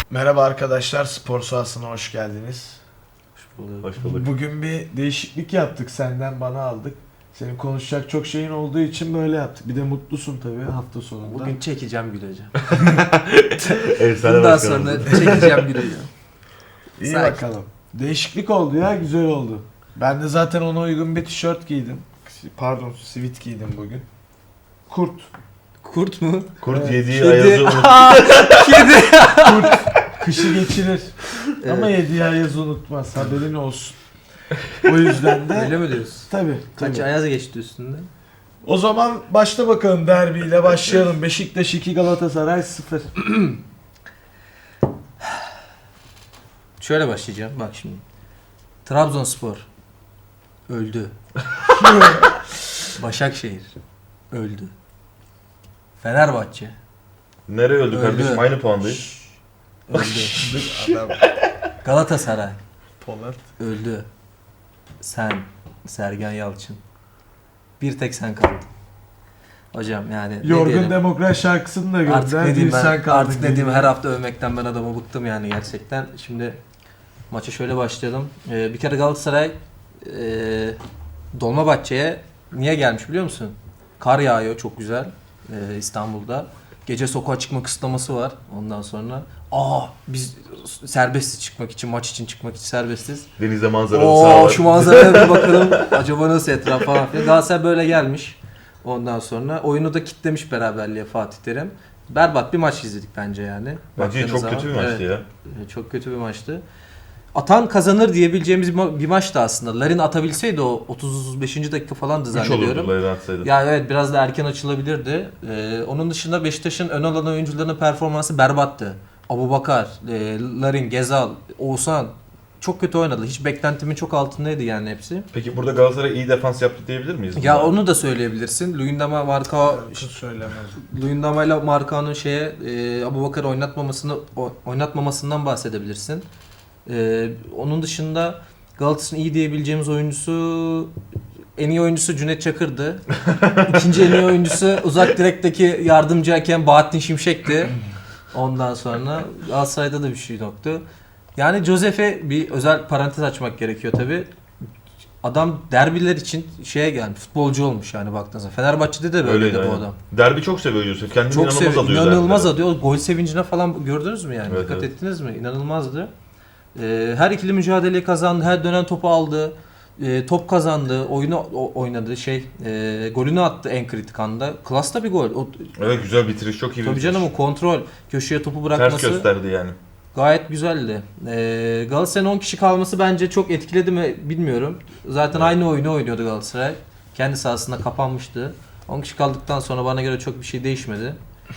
Merhaba arkadaşlar, spor sahasına hoş geldiniz. Hoş bulduk. Bugün bir değişiklik yaptık, senden bana aldık. Senin konuşacak çok şeyin olduğu için böyle yaptık. Bir de mutlusun tabii hafta sonunda. Bugün çekeceğim güleceğim. Efsane Bundan başkanımız. sonra çekeceğim güleceğim. İyi Sakin. bakalım. Değişiklik oldu ya, güzel oldu. Ben de zaten ona uygun bir tişört giydim. Pardon, sivit giydim bugün. Kurt. Kurt mu? Kurt Evet. yediği Kedi. ayazı unut. Kedi. Kışı geçirir. Ama Evet. yediği ayazı unutmaz, haberin olsun. O yüzden de... Öyle mi diyorsun? Tabii. Kaç tabii. ayaz geçti üstünde? O zaman başla bakalım, derbiyle başlayalım. Beşiktaş 2, Galatasaray 0. Şöyle başlayacağım bak şimdi. Trabzonspor öldü. Başakşehir öldü. Fenerbahçe Nereye öldü Öldü. kardeşim? Aynı puandayız. öldü. Adam Galatasaray Polat. öldü. Sen, Sergen Yalçın. Bir tek sen kaldın. Hocam yani ne Yorgun diyelim? Demokrat şarkısını da Artık gönder. ne diyeyim Bir ben, sen kaldın. artık ne diyeyim, her hafta övmekten ben adamı bıktım yani gerçekten. Şimdi maça şöyle başlayalım. Bir kere Galatasaray Dolmabahçe'ye niye gelmiş biliyor musun? Kar yağıyor çok güzel İstanbul'da. Gece sokağa çıkma kısıtlaması var ondan sonra. Biz serbestiz çıkmak için, maç için çıkmak için serbestiz. Denizde manzaralı sağ var. Şu manzaraya bir bakalım. Acaba nasıl etraf falan filan. Galatasaray böyle gelmiş. Ondan sonra oyunu da kitlemiş beraberliğe Fatih Terim. Berbat bir maç izledik bence yani. Bence Baktığınız çok kötü bir zaman. maçtı Evet, ya. çok kötü bir maçtı. Atan kazanır diyebileceğimiz bir maçtı aslında. Larin atabilseydi o 30-35. dakika falandı 3 zannediyorum. olurdu Layla atsaydı. Ya evet, biraz da erken açılabilirdi. Onun dışında Beşiktaş'ın ön alan oyuncularının performansı berbattı. Abubakar, Larin, Gezal, Oğuzhan çok kötü oynadı. Hiç beklentimin çok altındaydı yani hepsi. Peki burada Galatasaray iyi defans yaptı diyebilir miyiz? Ya buna? onu da söyleyebilirsin. Luyendama Marka Kız söylemez. Luyendama ile Marka'nın Abubakar oynatmamasından bahsedebilirsin. Onun dışında Galatasaray'ın iyi diyebileceğimiz oyuncusu, en iyi oyuncusu Cüneyt Çakır'dı. İkinci en iyi oyuncusu uzak direkteki yardımcı hakem Bahattin Şimşek'ti. Ondan sonra Galatasaray'da da bir şey yoktu. Yani Josef'e bir özel parantez açmak gerekiyor tabi. Adam derbiler için gelmiş, futbolcu olmuş yani baktığınızda. Fenerbahçe'de de böyleydi Öyleydi, bu aynen. adam. Derbi çok seviyor Yusuf. Kendini Çok inanılmaz seviyor. alıyor. İnanılmaz derbilere. alıyor. Gol sevincine falan gördünüz mü yani? Evet, Dikkat evet. ettiniz mi? İnanılmazdı. Her ikili mücadeleyi kazandı. Her dönen topu aldı. Top kazandı. Oyunu oynadı. Golünü attı en kritik anda. Klasta bir gol. Evet, güzel bitiriş. Çok iyi bir Tabii bitiriş. canım, o kontrol. Köşeye topu Ters bırakması gösterdi yani. gayet güzeldi. Galatasaray'ın 10 kişi kalması bence çok etkiledi mi bilmiyorum. Zaten aynı oyunu oynuyordu Galatasaray. Kendi sahasında kapanmıştı. 10 kişi kaldıktan sonra bana göre çok bir şey değişmedi.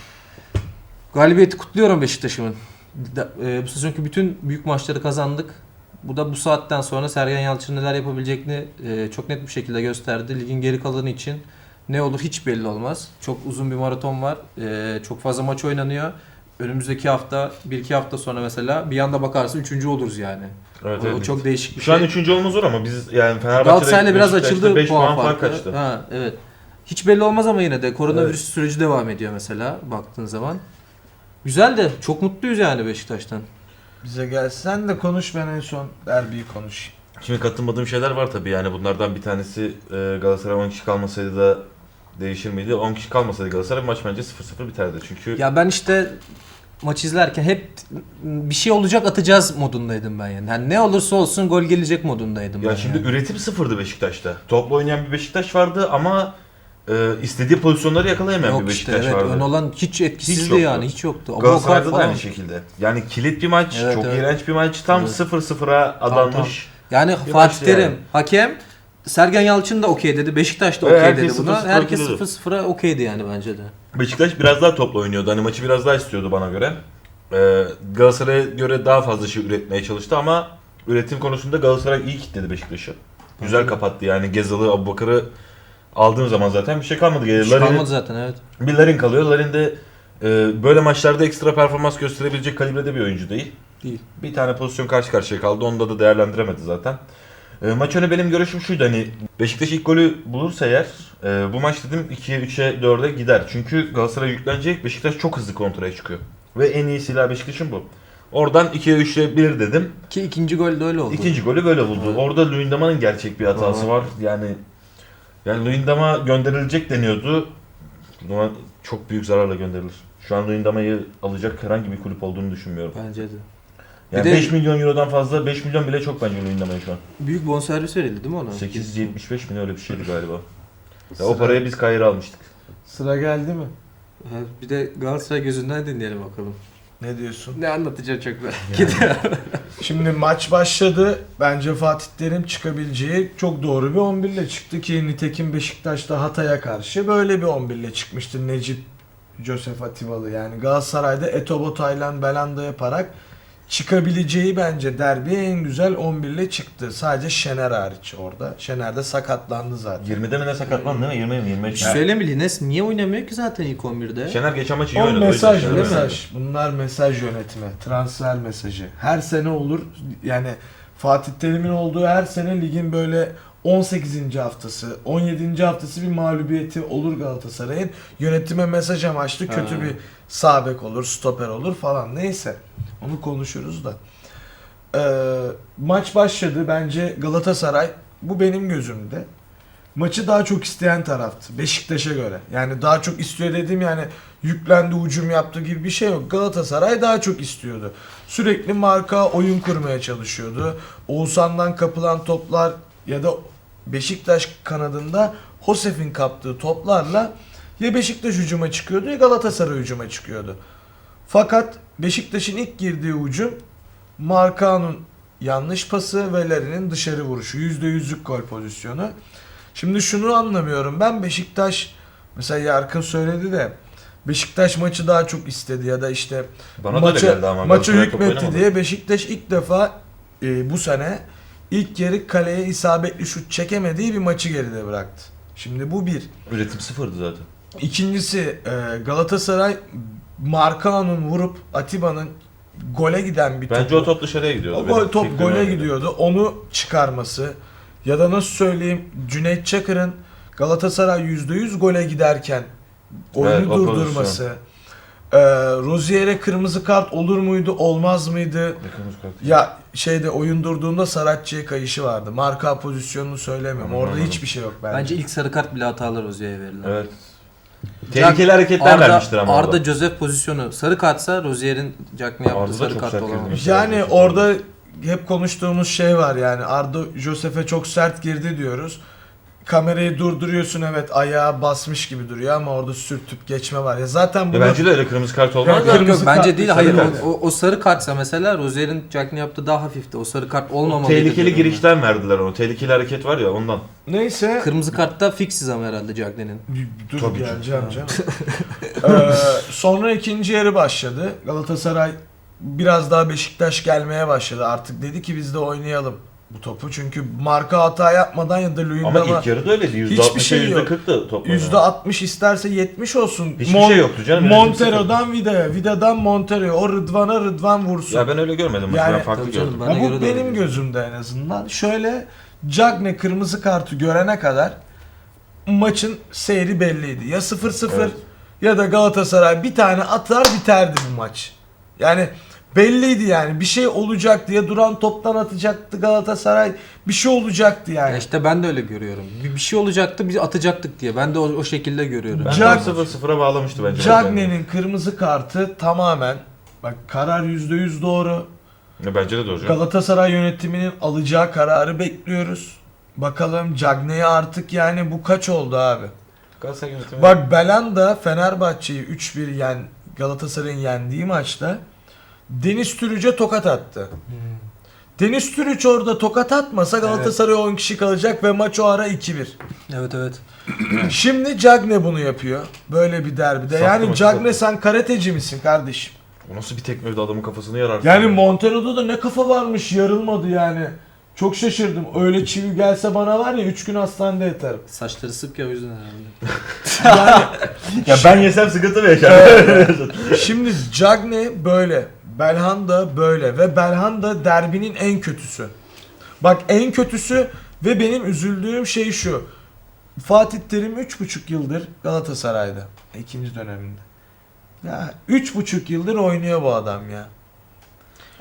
Galibiyeti kutluyorum Beşiktaş'ımın. Bu sezonki bütün büyük maçları kazandık. Bu da bu saatten sonra Sergen Yalçın neler yapabileceğini çok net bir şekilde gösterdi. Ligin geri kalanı için ne olur hiç belli olmaz. Çok uzun bir maraton var. Çok fazla maç oynanıyor. Önümüzdeki hafta, 1-2 hafta sonra mesela bir yanda bakarsın 3. oluruz yani. Evet, O evet. çok değişik bir Şu an şey. 3. olmamız zor ama biz yani Fenerbahçe'de Galatasaray'la biraz Beşiktaş'ta açıldı 5 puan puan fark farkı. kaçtı. Ha, evet. Hiç belli olmaz ama yine de koronavirüs Evet. süreci devam ediyor mesela baktığın zaman. Güzel de çok mutluyuz yani Beşiktaş'tan. Bize gel. Sen de konuş, ben en son derbiyi konuşayım. Şimdi katılmadığım şeyler var tabii yani bunlardan bir tanesi Galatasaray 10 kişi kalmasaydı da değişir miydi? 10 kişi kalmasaydı Galatasaray maç bence 0-0 biterdi çünkü Ya ben işte maç izlerken hep bir şey olacak, atacağız modundaydım ben yani. Yani ne olursa olsun gol gelecek modundaydım ya ben şimdi yani. üretim sıfırdı Beşiktaş'ta. Topla oynayan bir Beşiktaş vardı ama istediği pozisyonları yakalayan Yok bir işte, Beşiktaş evet, vardı. ön olan hiç etkisizdi yoktu. yani, hiç yoktu. Galatasaray'da da falan. aynı şekilde. Yani kilit bir maç, Evet, çok evet. iğrenç bir maç. Tam Evet. 0-0'a adanmış. Yani Bir Fatih maçtı Terim, yani. hakem, Sergen Yalçın da okey dedi, Beşiktaş da Evet, okey dedi herkes buna. 0-0 Herkes okeydi. 0-0'a okeydi yani bence de. Beşiktaş biraz daha topla oynuyordu. Hani maçı biraz daha istiyordu bana göre. Galatasaray'a göre daha fazla şey üretmeye çalıştı ama üretim konusunda Galatasaray iyi kitledi Beşiktaş'ı. Güzel Aynen. kapattı yani Gezal'ı, Abubakar'ı aldığın zaman zaten bir şey kalmadı. Hiç kalmadı zaten, evet. Bir Larin kalıyor. Larin de böyle maçlarda ekstra performans gösterebilecek kalibrede bir oyuncu değil. Değil. Bir tane pozisyon karşı karşıya kaldı. Onda da değerlendiremedi zaten. Maç önü benim görüşüm şuydu, hani Beşiktaş ilk golü bulursa eğer bu maç dedim 2'ye 3'e 4'e gider. Çünkü Galatasaray yüklenecek, Beşiktaş çok hızlı kontraya çıkıyor. Ve en iyi silah Beşiktaş'ın bu. Oradan 2'ye 3'e 1 dedim. Ki ikinci gol de öyle oldu. İkinci golü böyle buldu. Evet. Orada Luyendama'nın gerçek bir hatası Evet. var. Yani Luyendama gönderilecek deniyordu. Ama çok büyük zararla gönderilir. Şu an Luyendama'yı alacak herhangi bir kulüp olduğunu düşünmüyorum. Bence de. Yani Bir de- 5 milyon eurodan fazla, 5 milyon bile çok bence Luyendama'ya şu an. Büyük bonservis verildi değil mi ona? 875 milyon öyle bir şeydi galiba. Ya o Sıra- paraya biz Kayır'ı almıştık. Sıra geldi mi? Ha, bir de Galatasaray gözünden dinleyelim bakalım. Ne diyorsun? Ne anlatacağım çok merak ediyorum. Şimdi maç başladı. Bence Fatih Terim çıkabileceği çok doğru bir 11 ile çıktı ki nitekim Beşiktaş'ta Hatay'a karşı böyle bir 11 ile çıkmıştı Necip Joseph Atibalı. Yani Galatasaray'da Etobo, Taylan, Belanda yaparak çıkabileceği bence derbiye en güzel 11 ile çıktı. Sadece Şener hariç orada. Şener de sakatlandı zaten. 20'de mi ne sakatlandı değil mi? 20 mi 25 Bir şey mi? söyleyeyim mi? Lines niye oynamıyor ki zaten ilk 11'de? Şener geçen maç iyi O oynadı. mesaj, o yüzden Şener oynadı. mesaj. Bunlar mesaj yönetimi, transfer mesajı. Her sene olur. Yani Fatih Terim'in olduğu her sene ligin böyle 18. haftası, 17. haftası bir mağlubiyeti olur Galatasaray'ın. Yönetime mesaj amaçlı kötü Ha. bir sağ bek olur, stoper olur falan. Neyse. Onu konuşuruz da. Maç başladı. Bence Galatasaray, bu benim gözümde, maçı daha çok isteyen taraftı Beşiktaş'a göre. Yani daha çok istiyor dediğim, yani yüklendi, hücum yaptı gibi bir şey yok. Galatasaray daha çok istiyordu. Sürekli marka oyun kurmaya çalışıyordu. Oğuzhan'dan kapılan toplar ya da Beşiktaş kanadında Josef'in kaptığı toplarla ya Beşiktaş hücuma çıkıyordu ya Galatasaray hücuma çıkıyordu. Fakat Beşiktaş'ın ilk girdiği hücum Markao'nun yanlış pası ve Larin'in dışarı vuruşu. %100'lük gol pozisyonu. Şimdi şunu anlamıyorum. Ben Beşiktaş, mesela Yarkın söyledi de, Beşiktaş maçı daha çok istedi ya da işte Bana da öyle geldi ama. maça Galatasaray top hükmetti oynamadı. diye Beşiktaş ilk defa bu sene ilk yarı kaleye isabetli şut çekemediği bir maçı geride bıraktı. Şimdi bu bir. Üretim sıfırdı zaten. İkincisi Galatasaray Markao'nun vurup Atiba'nın gole giden bir Bence topu, o top dışarıya gidiyordu. o Benim gol top fikrim gole öyleydi. gidiyordu. Onu çıkarması ya da nasıl söyleyeyim, Cüneyt Çakır'ın Galatasaray %100 gole giderken oyunu Evet, o durdurması. Rozier'e kırmızı kart olur muydu, olmaz mıydı? Yakınız kalktı. Ya şeyde oyun durduğunda Saratçı'ya kayışı vardı. Marka pozisyonunu söylemiyorum. Orada Anladım. hiçbir şey yok bence. Bence ilk sarı kart bile hatalı Rozier'e verilen. Evet. Tehlikeli hareketler vermiştir ama Arda orada. Joseph pozisyonu sarı kartsa Rozier'in Jack'ne yaptığı Arda da sarı çok kart sert olamamış. girdi. Yani orada hep konuştuğumuz şey var, yani Arda Joseph'e çok sert girdi diyoruz. Kamerayı durduruyorsun, evet ayağı basmış gibi duruyor ama orada sürtüp geçme var. Ya zaten bunu Bence de öyle kırmızı kart olmaz. Yok, da. Yok kırmızı bence kart, değil, sarı hayır kart. o sarı kartsa mesela Rozier'in Jack'ne yaptığı daha hafifti. O sarı kart olmamalıydı. Tehlikeli diyorum girişten verdiler onu. Tehlikeli hareket var ya ondan. neyse ben. Kırmızı kartta fixiz ama herhalde Jack'ne'nin. dur Tabii ki. geleceğim canım. Sonra ikinci yarı başladı. Galatasaray biraz daha Beşiktaş gelmeye başladı. Artık dedi ki biz de oynayalım bu topu. Çünkü marka hata yapmadan ya da Ama Luyendama ilk yarıda öyleydi. hiçbir şey %60'a yok. %40'tı top. %60 isterse 70 olsun. Hiçbir şey yoktu canım. Montero'dan Vida'ya, Vida'dan Montero'ya, o Rıdvan'a Rıdvan vursun. Ya ben öyle görmedim. Maçı Yani- ben farklı Tabii canım, gördüm. Bana Ya göre bu de öyle benim gözüküyor. gözümde en azından. Şöyle, Cagne kırmızı kartı görene kadar maçın seyri belliydi. Ya 0-0 Evet. ya da Galatasaray bir tane atar biterdi bu maç. Yani belliydi yani. Bir şey olacak diye, duran toptan atacaktı Galatasaray. Bir şey olacaktı Ya yani. işte ben de öyle görüyorum. Bir şey olacaktı biz atacaktık diye. Ben de o şekilde görüyorum. Ben Cagne- 0-0'a bağlamıştı bence. Cagne'nin kırmızı kartı tamamen, bak karar %100 doğru. Ya bence de doğru. canım. Galatasaray yönetiminin alacağı kararı bekliyoruz. Bakalım Cagne'ye artık, yani bu kaç oldu abi? Galatasaray yönetimi. Bak Belanda Fenerbahçe'yi 3-1 Galatasaray'ın yendiği maçta Deniz Türüç'e tokat attı. Deniz Türüç orada tokat atmasa Galatasaray 10 kişi kalacak ve maç o ara 2-1. Evet evet. Şimdi Cagne bunu yapıyor. Böyle bir derbide. Sattı Yani maçı, Cagne, sattı. sen karateci misin kardeşim? O nasıl bir tekme adamın kafasını yararsın. Yani Montero'da da ne kafa varmış, yarılmadı yani. Çok şaşırdım. Öyle çivi gelse bana var ya 3 gün hastanede yatarım. Saçları sık ya o yüzden herhalde. Yani Ya ben yesem sıkıntı mı yaşarım? şimdi Cagne böyle, Belhanda böyle ve Belhanda derbinin en kötüsü. Bak en kötüsü ve benim üzüldüğüm şey şu. Fatih Terim 3,5 yıldır Galatasaray'da. İkinci döneminde. Ya 3,5 yıldır oynuyor bu adam ya.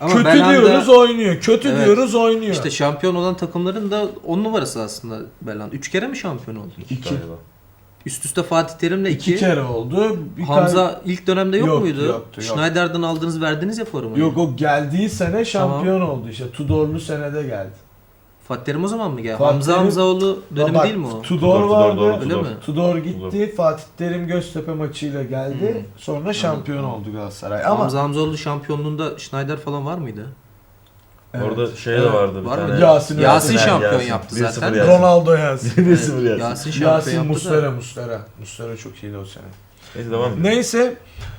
Ama Kötü Belhanda- diyoruz oynuyor. Kötü Evet. diyoruz oynuyor. İşte şampiyon olan takımların da 10 numarası aslında Belhanda. 3 kere mi şampiyon oldu? İki. Galiba. Üst üste Fatih Terim'le 2 2. kere oldu. Bir Hamza ilk dönemde yok Yok, muydu? yoktu, yok. Schneider'dan aldınız verdiniz ya formayı. Yok, o geldiği sene şampiyon oldu işte. Tudorlu senede geldi. Fatih Terim o zaman mı geldi? Fatih Hamza Terim- Hamzaoğlu dönemi Bak, değil mi o? Tudor vardı. doğru, Öyle mi? Tudor gitti. Fatih Terim Göztepe maçıyla geldi. Sonra şampiyon oldu Galatasaray. Ama Hamza Hamzaoğlu şampiyonluğunda Schneider falan var mıydı? evet. Orada şey Evet. de vardı bir Var tane. mı? Yasin Yasin Yasin. şampiyon Yasin. yaptı 1-0 zaten. Yasin. Ronaldo Yasin. 1-0 Yasin. Yasin şampiyon Yasin yaptı Muslera çok iyiydi o sene. Neyse devam edelim. Neyse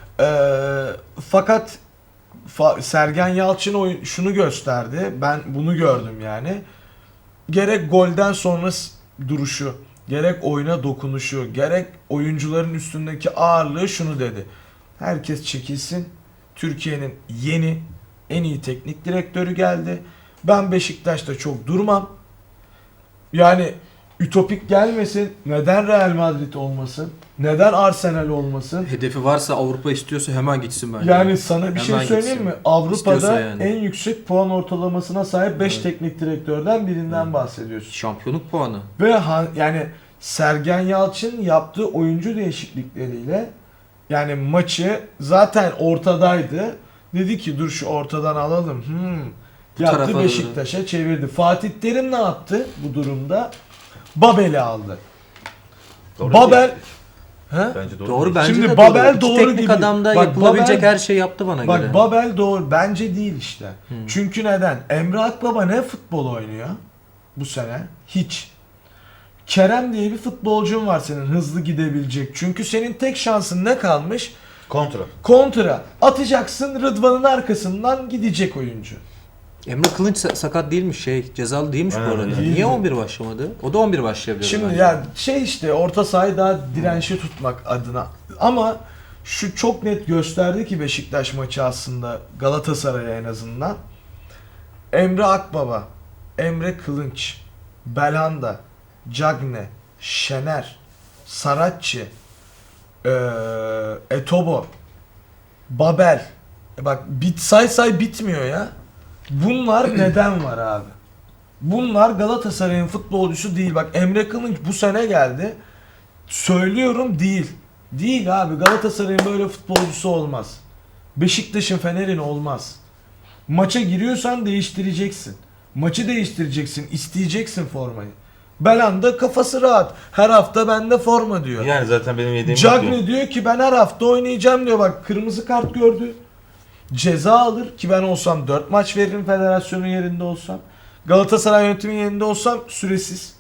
fakat Sergen Yalçın şunu gösterdi. Ben bunu gördüm yani. Gerek golden sonra duruşu, gerek oyuna dokunuşu, gerek oyuncuların üstündeki ağırlığı şunu dedi. Herkes çekilsin. Türkiye'nin yeni en iyi teknik direktörü geldi. Ben Beşiktaş'ta çok durmam. Yani ütopik gelmesin. Neden Real Madrid olmasın? Neden Arsenal olmasın? Hedefi varsa Avrupa istiyorsa hemen gitsin bence. Yani sana bir şey Hemen söyleyeyim gitsin. mi? Avrupa'da İstiyorsa yani. en yüksek puan ortalamasına sahip 5 Evet. teknik direktörden birinden bahsediyorsun. Şampiyonluk puanı. Ve yani Sergen Yalçın yaptığı oyuncu değişiklikleriyle yani maçı zaten ortadaydı. Dedi ki dur şu ortadan alalım. Bu Yaptı tarafa Beşiktaş'a çevirdi. Fatih Terim ne yaptı bu durumda? Babel'i aldı. Doğru Babel değil. He? Bence doğru. Doğru değil. bence Şimdi de Babel İki doğru teknik gibi. adamda Bak, yapılabilecek Babel- her şeyi yaptı bana göre. Bak Babel doğru. Bence değil işte. Hı. Çünkü neden? Emre Akbaba ne futbol oynuyor bu sene? Hiç. Kerem diye bir futbolcun var senin hızlı gidebilecek. Çünkü senin tek şansın ne kalmış? Kontra. Kontra. Atacaksın Rıdvan'ın arkasından gidecek oyuncu. Emre Kılınç sakat değilmiş cezalı değilmiş bu Aynen, arada. değil. Niye 11 başlamadı? O da 11 başlayabilir Şimdi bence. ya işte orta sahayı daha dirençli tutmak adına. Ama şu çok net gösterdi ki Beşiktaş maçı aslında Galatasaray'a en azından. Emre Akbaba, Emre Kılınç, Belhanda, Cagne, Şener, Saratçı, Etobo, Babel. Bak say bitmiyor ya. Bunlar neden var abi? Bunlar Galatasaray'ın futbolcusu değil. Bak Emre Kılınç bu sene geldi. Söylüyorum değil. Değil abi. Galatasaray'ın böyle futbolcusu olmaz. Beşiktaş'ın, Fener'in olmaz. Maça giriyorsan değiştireceksin. Maçı değiştireceksin. İsteyeceksin formayı. Belhanda kafası rahat. Her hafta bende forma diyor. Yani zaten benim yediğim Cagney diyor ki ben her hafta oynayacağım diyor. Bak kırmızı kart gördü. Ceza alır ki ben olsam 4 maç veririm federasyonun yerinde olsam. Galatasaray yönetimin yerinde olsam süresiz.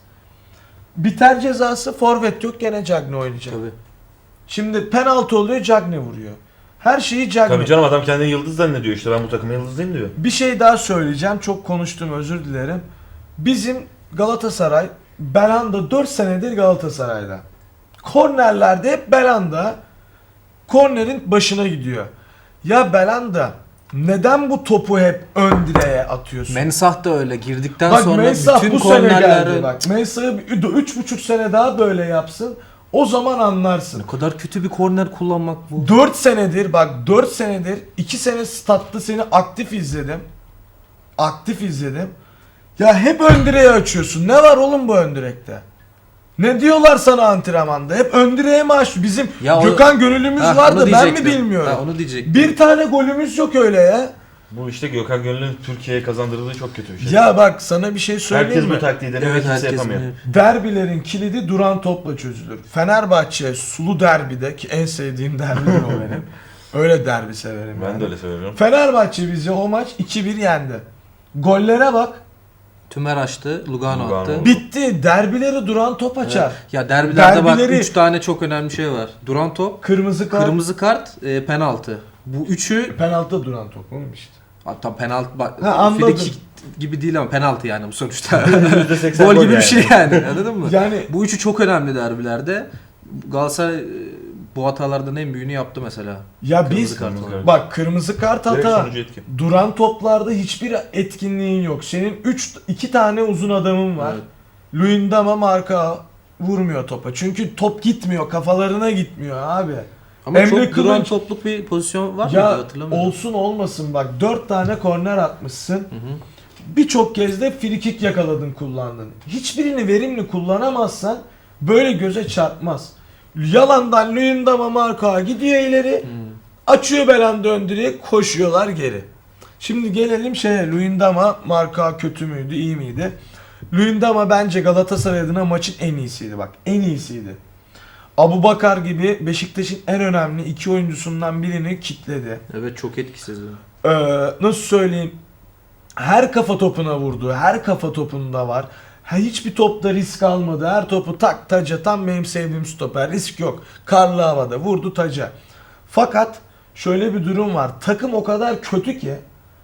Biter cezası, forvet yok, gene Cagney oynayacak. Tabii. Şimdi penaltı oluyor, Cagney vuruyor. Her şeyi Cagney. Tabii canım, adam kendini yıldız zannediyor işte, ben bu takımın yıldızıyım diyor. Bir şey daha söyleyeceğim. Çok konuştum, özür dilerim. Bizim Galatasaray, Belhanda 4 senedir Galatasaray'da. Kornerlerde hep Belhanda kornerin başına gidiyor. Ya Belhanda neden bu topu hep ön direğe atıyorsun? Mensah da öyle girdikten Bak sonra Mensah bütün bu sene geldi. kornerleri Bak Mensah'ı 3,5 sene daha böyle yapsın. O zaman anlarsın. ne kadar kötü bir korner kullanmak bu. 4 senedir bak 4 senedir 2 sene statta seni aktif izledim. Aktif izledim. Ya hep ön direğe açıyorsun. Ne var oğlum bu ön direkte? Ne diyorlar sana antrenmanda? Hep ön direğe mi aç? Bizim Ya o- Gökhan gönüllümüz Ha, var onu da ben mi diyecektim. bilmiyorum. Ha, onu diyecektim. Bir tane golümüz yok öyle ya. Bu işte Gökhan Gönül'ün Türkiye'ye kazandırdığı çok kötü bir şey. Ya bak sana bir şey söyleyeyim Herkes mi? bu taktiği deniyor ve Evet, kimse herkes yapamıyor. bunu- Derbilerin kilidi duran topla çözülür. Fenerbahçe sulu derbide ki en sevdiğim derbidir o benim. Öyle derbi severim Ben yani. de öyle söylüyorum. Fenerbahçe bizi o maç 2-1 yendi. Gollere bak. Tümer açtı, Lugano Lugano. attı. Bitti. Derbileri duran top açar. Ya derbilerde bak Derbileri- 3 tane çok önemli şey var. Duran top, Kırmızı kart. kırmızı kart, penaltı. Bu üçü Penaltıda duran top oğlum işte. hatta penaltı bak Ha, anladım. frikik gibi değil ama penaltı yani bu sonuçta. %80 Gol gibi yani. bir şey yani. Anladın mı? Yani Bu üçü çok önemli derbilerde. Galatasaray bu hatalardan en büyüğünü yaptı mesela. ya Kırmızı biz kart Kırmızı olarak. kart. bak kırmızı kart Direkt hata. sonucu etkin. Duran toplarda hiçbir etkinliğin yok. Senin 2 tane uzun adamın var. Evet. Luyendama marka vurmuyor topa. Çünkü top gitmiyor. Kafalarına gitmiyor abi. Ama Emre çok duran Kılınç- topluk bir pozisyon var mıydı Ya hatırlamıyorum. olsun olmasın bak 4 tane korner atmışsın. Hı hı. Birçok kez de frikik yakaladın kullandın. Hiçbirini verimli kullanamazsan böyle göze çarpmaz. Yalandan Luyendama Marka gidiyor ileri. Açıyor Belhanda ön direğe, koşuyorlar geri. Şimdi gelelim şeye, Luyendama Marka kötü müydü iyi miydi? Luyendama bence Galatasaray adına maçın en iyisiydi bak, en iyisiydi. Abubakar gibi Beşiktaş'ın en önemli iki oyuncusundan birini kitledi. Evet, çok etkisiz. Nasıl söyleyeyim? Her kafa topuna vurdu. Her kafa topunda var. Hiçbir topta risk almadı. Her topu tak taca. Tam benim sevdiğim stoper. Risk yok. Karlı havada vurdu taca. Fakat şöyle bir durum var. Takım o kadar kötü ki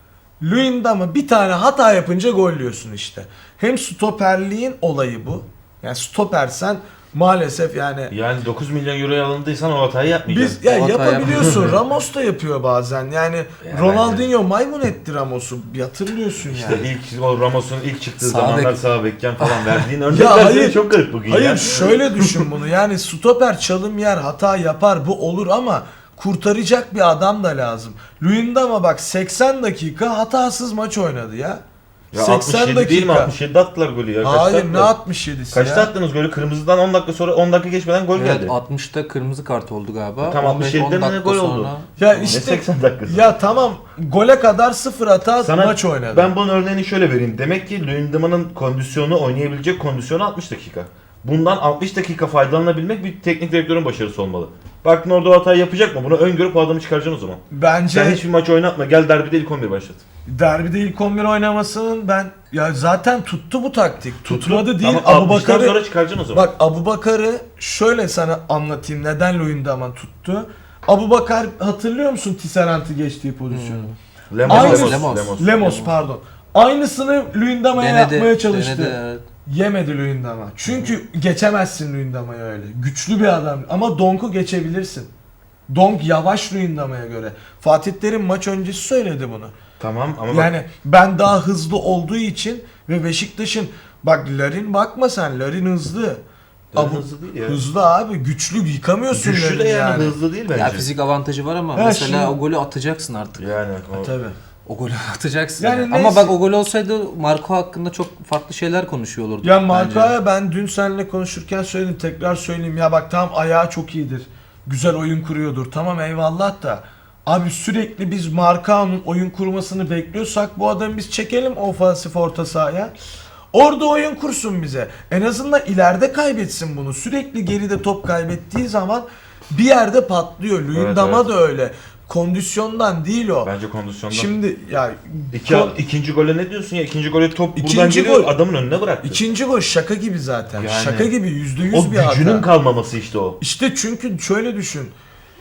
Luyendama bir tane hata yapınca gollüyorsun işte. Hem stoperliğin olayı bu. Yani stopersen maalesef yani Yani 9 milyon euroya alındıysan o hatayı yapmayacaksın. biz ya O hata yapabiliyorsun. yapma. Ramos da yapıyor bazen. Yani Yani Ronaldinho maymun etti Ramos'u. Hatırlıyorsun İşte yani. ilk o Ramos'un ilk çıktığı Sağ zamanlar bek. sağ bekken falan verdiğin Ya örnekler hayır. senin çok garip bugün Hayır ya. şöyle düşün bunu. Yani stoper çalım yer, hata yapar, bu olur ama kurtaracak bir adam da lazım. Luyendama bak 80 dakika hatasız maç oynadı ya. Ya 67 değil mi? 67 attılar golü ya. Kaçta Hayır ne attılar? 67'si Kaçta ya? attınız golü? Kırmızıdan 10 dakika sonra 10 dakika geçmeden gol Evet, geldi. 60'ta kırmızı kart oldu galiba. Tam 15-10 67'de mi ne dakika gol oldu? sonra- Ya Ne işte 80 dakikası? ya tamam gole kadar sıfır hata Sana maç oynadı. ben bunun örneğini şöyle vereyim. Demek ki Luyendama'nın kondisyonu, oynayabilecek kondisyonu 60 dakika. Bundan 60 dakika faydalanabilmek bir teknik direktörün başarısı olmalı. Baktın orada o hatayı yapacak mı? Bunu öngörüp o adamı çıkaracaksın o zaman. Bence Sen hiçbir maç oynatma. Gel derbide ilk 11 başlat. derbide ilk 11 oynamasının ben ya zaten tuttu bu taktik. Tutmadı değil. Ama 60'tan Abubakar'ı sonra çıkaracaksın o zaman. bak Abubakar'ı şöyle sana anlatayım neden Luyendama tuttu. Abubakar hatırlıyor musun Tisserant'ı geçtiği pozisyonu? Lemos, Aynı- Lemos. Pardon. Aynısını Luyendama'ya yapmaya çalıştı. denedi, evet. Yemedi Luyendama. Çünkü geçemezsin Luyendama'ya öyle. Güçlü bir adam ama Donk'u geçebilirsin. Donk yavaş Luyendama'ya göre. Fatih Terim maç öncesi söyledi bunu. Tamam ama bak, Yani ben daha hızlı olduğu için ve Beşiktaş'ın bak Larin bakma sen Larin hızlı. Larin hızlı değil ya. Hızlı abi güçlü yıkamıyorsun güçlü Larin de yani, hızlı değil bence. Ya fizik avantajı var ama Ha, mesela şimdi- o golü atacaksın artık. Yani o... Tabii. O golü atacaksın. Yani Yani. neyse. Ama bak o gol olsaydı Marco hakkında çok farklı şeyler konuşuyor olurduk. Ya bence. Marka'ya ben dün seninle konuşurken söyledim tekrar söyleyeyim ya bak tamam ayağı çok iyidir. Güzel oyun kuruyordur tamam eyvallah da abi sürekli biz Markao'nun oyun kurmasını bekliyorsak bu adamı biz çekelim ofansif orta sahaya. Orada oyun kursun bize. En azından ileride kaybetsin bunu. Sürekli geride top kaybettiği zaman bir yerde patlıyor. Luyendama evet. da öyle. Kondisyondan değil o. Bence kondisyondan. Şimdi ya İkinci gole ne diyorsun ya? İkinci gole top buradan İkinci geliyor, gol- adamın önüne bıraktı. ikinci gol şaka gibi zaten. Yani- Şaka gibi %100 O bir hata. gücünün kalmaması işte o. İşte çünkü şöyle düşün.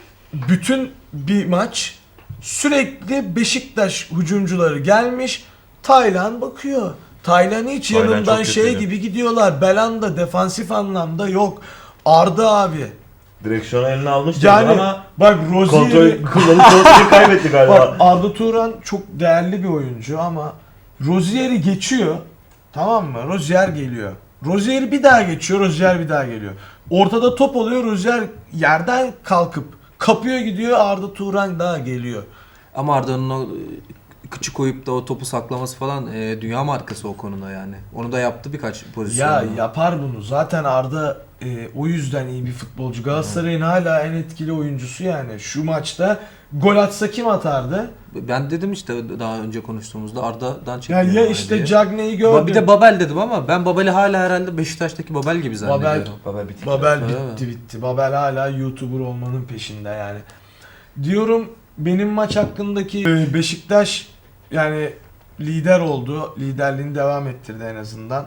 Bütün bir maç sürekli Beşiktaş hücumcuları gelmiş. Taylan bakıyor. Taylan hiç Taylan yanından çok şey kötüydü. gibi gidiyorlar. Belanda defansif anlamda yok. Arda abi. Direksiyonu eline almıştı Yani ama bak Rozier'i kullanıp kontrolü kaybetti galiba. bak Arda Turan çok değerli bir oyuncu ama Rozier'i geçiyor. Tamam mı? Rozier geliyor. Rozier bir daha geçiyor. Rozier bir daha geliyor. Ortada top oluyor. Rozier yerden kalkıp kapıyor gidiyor. Arda Turan daha geliyor. Ama Arda'nın o kıçı koyup da o topu saklaması falan dünya markası o konuda yani. Onu da yaptı birkaç pozisyonda. Ya yapar bunu. Zaten Arda o yüzden iyi bir futbolcu. Galatasaray'ın hala en etkili oyuncusu yani. Şu maçta gol atsa kim atardı? Ben dedim işte daha önce konuştuğumuzda Arda'dan Ya, çekiyorum. ya yani işte diye. Cagney'i gördüm. Bir de Babel dedim ama ben Babel'i hala herhalde Beşiktaş'taki Babel gibi zannediyorum. Babel bitik. Babel Evet. bitti. Babel hala YouTuber olmanın peşinde yani. Diyorum benim maç hakkındaki Beşiktaş yani lider oldu. Liderliğini devam ettirdi en azından.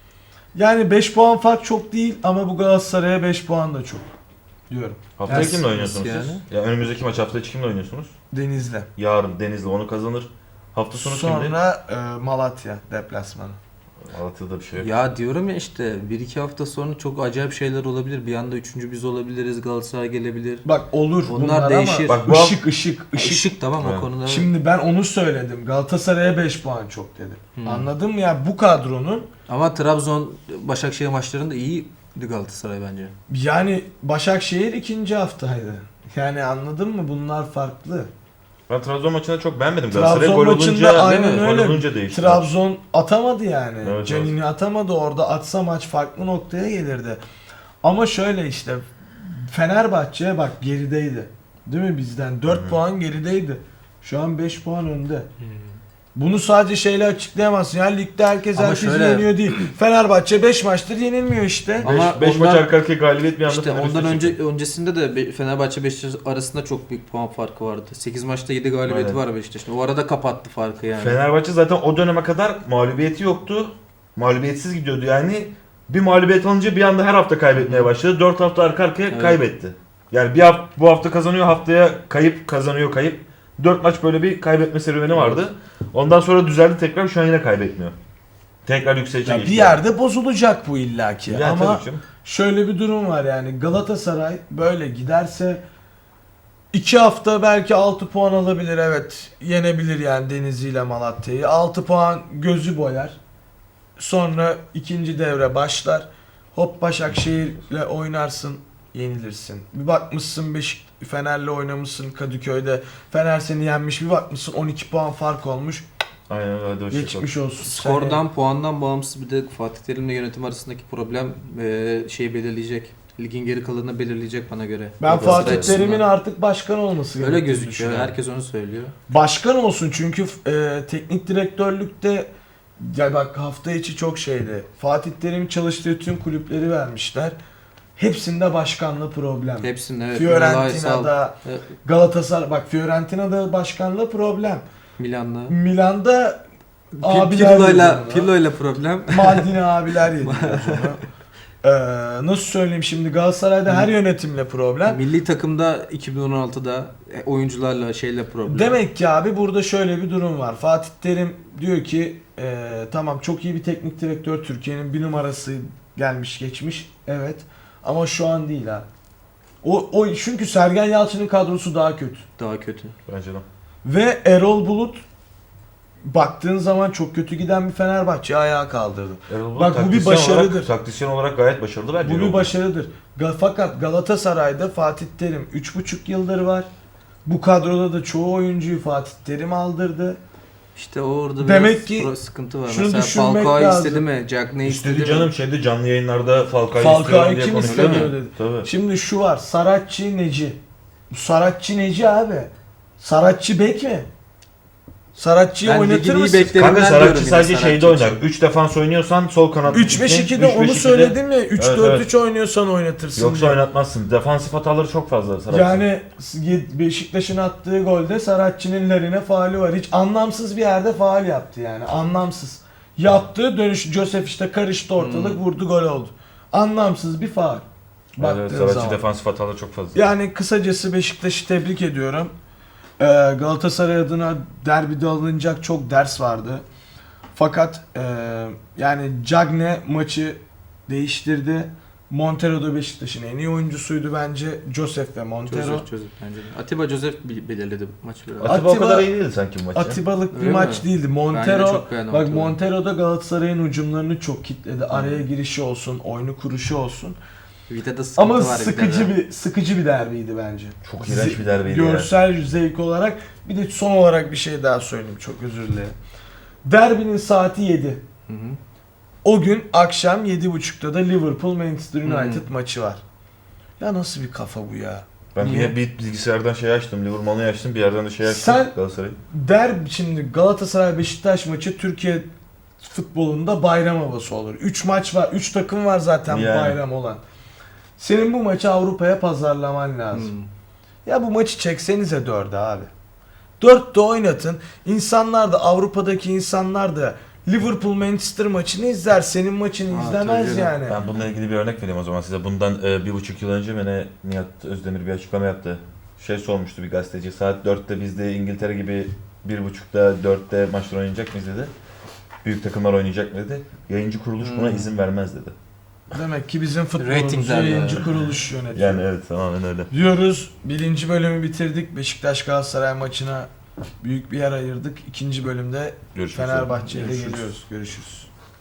Yani 5 puan fark çok değil ama bu Galatasaray'a 5 puan da çok diyorum. Haftaya Yani kimle oynuyorsunuz yani? siz? Ya önümüzdeki maç hafta içi kimle oynuyorsunuz? Denizli. Yarın Denizli onu kazanır. Hafta sonu kimde? Sonra Malatya deplasmanı. Malatya'da bir şey yok. Ya diyorum ya işte 1-2 hafta sonra çok acayip şeyler olabilir. Bir anda 3. biz olabiliriz. Galatasaray gelebilir. Bak olur Onlar bunlar değişir. ama Bak bu ışık. Işık tamam Evet. o konuda. Şimdi ben onu söyledim. Galatasaray'a 5 puan çok dedim. Anladın mı ya bu kadronun Ama Trabzon Başakşehir maçlarında iyiydi Galatasaray bence. yani Başakşehir ikinci haftaydı. Yani anladın mı? Bunlar farklı. Ben Trabzon maçını çok beğenmedim. Trabzon Galatasaray gol maçında olunca, aynen gol öyle. olunca değişti. Trabzon atamadı yani. Evet, Canini atamadı. Orada atsa maç farklı noktaya gelirdi. Ama şöyle işte Fenerbahçe bak gerideydi. Değil mi bizden? 4 puan gerideydi. Şu an 5 puan önde. Bunu sadece şeyle açıklayamazsın. Yani ligde herkes Ama herkesi şöyle- yeniyor değil. Fenerbahçe 5 maçtır yenilmiyor işte. Ama 5 maç ondan- arka arkaya galibiyet bir anda İşte Fener'e ondan üstüne çıktı. öncesinde de Fenerbahçe Beşiktaş arasında çok büyük puan farkı vardı. 8 maçta 7 galibiyeti Aynen. var Beşiktaş'ın. O arada kapattı farkı yani. Fenerbahçe zaten o döneme kadar mağlubiyeti yoktu. Mağlubiyetsiz gidiyordu yani. Bir mağlubiyet alınca bir anda her hafta kaybetmeye başladı. 4 hafta arka arkaya Evet. kaybetti. Yani bu hafta kazanıyor, haftaya kayıp, kazanıyor, kayıp. 4 maç böyle bir kaybetme serüveni vardı. Ondan sonra düzeldi tekrar, şu an yine kaybetmiyor. Tekrar yükselişe Ya geçti. bir yerde bozulacak bu illaki. Ya Ama tabii canım. şöyle bir durum var yani Galatasaray böyle giderse 2 hafta belki 6 puan alabilir, evet. Yenebilir yani Denizli ile Malatya'yı. 6 puan gözü boyar. Sonra ikinci devre başlar. Hop Başakşehir'le oynarsın, yenilirsin. Bir bakmışsın Fener'le oynamışsın Kadıköy'de. Fener seni yenmiş, bir bakmışsın 12 puan fark olmuş. Aynen öyle. Hadi hoşça kal. Geçmiş olsun. Skordan, puandan bağımsız bir de Fatih Terim'le yönetim arasındaki problem şeyi belirleyecek. Ligin geri kalanını belirleyecek bana göre. Ben Galatasaray Fatih açısından. Terim'in artık başkan olması Öyle gerektiğini gözüküyor. düşünüyorum. Herkes onu söylüyor. Başkan olsun çünkü teknik direktörlükte ya bak hafta içi çok şeydi. Fatih Terim çalıştığı tüm kulüpleri vermişler. Hepsinde başkanla problem. Hepsinin evet. Fiorentina'da, Evet, Galatasaray bak Fiorentina'da başkanla problem. Milan'la. Milan'da abiler Pirlo'yla problem. Maldini abiler yedi onu. Nasıl söyleyeyim şimdi Galatasaray'da her yönetimle problem. Milli takımda 2016'da oyuncularla şeyle problem. Demek ki abi burada şöyle bir durum var. Fatih Terim diyor ki tamam çok iyi bir teknik direktör, Türkiye'nin bir numarası gelmiş geçmiş. Evet. Ama şu an değil ha. O çünkü Sergen Yalçın'ın kadrosu daha kötü. Daha kötü. Bence de. Ve Erol Bulut baktığın zaman çok kötü giden bir Fenerbahçe ayağa kaldırdı. Erol Bak, bu bir başarıdır. Taktisyen olarak gayet başarılı bence. Bu Erol bir başarıdır. Fakat Galatasaray'da Fatih Terim 3,5 yıldır var. Bu kadroda da çoğu oyuncuyu Fatih Terim aldırdı. İşte orada Demek biraz ki sıkıntı var. şunu Mesela düşünmek Falcao lazım. istedi mi? Cagney istedi İstedi mi? canım, şeyde canlı yayınlarda Falcao'yu Falcao'yu istiyorum diye kim konuşuyor. istemiyor Değil mi? dedi. Tabii. Şimdi şu var. Saratçı Neci. Bu Saratçı Neci abi. Saratçı bek mi? Saratçı'yı Ben oynatır ligin iyi mısın? bekleri- Kanka Ben Saratçı diyorum yine sadece Saratçı şeyde oynar. için. 3 defans oynuyorsan sol kanat. 3-5-2'de onu söyledim ya. 3-4-3 oynuyorsan oynatırsın. Yoksa diye. oynatmazsın. Defansif hataları çok fazla Saratçı. Yani Beşiktaş'ın attığı golde Saratçı'nın Lerine faali var. Hiç anlamsız bir yerde faal yaptı yani. Anlamsız. Yaptığı dönüş Joseph işte karıştı ortalık, vurdu, gol oldu. Anlamsız bir faal. Baktığın Evet, Saratçı zaman. defansif hataları çok fazla. Yani kısacası Beşiktaş'ı tebrik ediyorum. Galatasaray adına derbide alınacak çok ders vardı. Fakat yani Cagne maçı değiştirdi. Montero da Beşiktaş'ın en iyi oyuncusuydu bence. Joseph ve Montero. Joseph bence de. Atiba Joseph belirledi maçı biraz. Atiba o Atiba- kadar iyi değildi sanki bu maç ya. Atibalık bir Öyle maç mi? değildi. Ben de Montero çok beğendim bak Atiba'yı. Montero da Galatasaray'ın hücumlarını çok kilitledi. Araya girişi olsun, oyunu kuruşu olsun. Vida'da sıkıntı Ama var. sıkıcı bir derbiydi bence. Çok iğrenç bir derbiydi ya. Görsel zevk olarak. Bir de son olarak bir şey daha söyleyeyim, çok özür dilerim. Derbinin saati 7. Hı hı. O gün akşam 7.30'da da Liverpool Manchester Hmm. United maçı var. Ya nasıl bir kafa bu ya? Ben Niye? bir bilgisayardan şey açtım, Liverpool'u açtım, bir yerden de şey açtım, Sen- Galatasaray'ı. Şimdi Galatasaray Beşiktaş maçı Türkiye futbolunda bayram havası olur. 3 maç var, 3 takım var zaten Yani. bayram olan. Senin bu maçı Avrupa'ya pazarlaman lazım. Hmm. Ya bu maçı çeksenize 4'e abi. 4'te oynatın. İnsanlar da, Avrupa'daki insanlar da Liverpool Manchester maçını izler. Senin maçını Ha, izlemez tabii yani. Ben bununla ilgili bir örnek vereyim o zaman size. Bundan 1,5 yıl önce beni Nihat Özdemir bir açıklama yaptı. Şey sormuştu bir gazeteci, saat 4'te biz de İngiltere gibi 1,5'da 4'te maçlar oynayacak mıyız dedi. Büyük takımlar oynayacak mı dedi. Yayıncı kuruluş buna izin vermez dedi. Demek ki bizim futbolumuzu Ratingler yayıncı yani. kuruluş yönetiyor. Yani evet, tamamen öyle. Diyoruz. 1. bölümü bitirdik. Beşiktaş Galatasaray maçına büyük bir yer ayırdık. 2. bölümde Görüşmek üzere. Fenerbahçe ile Görüşürüz. geliyoruz. Görüşürüz.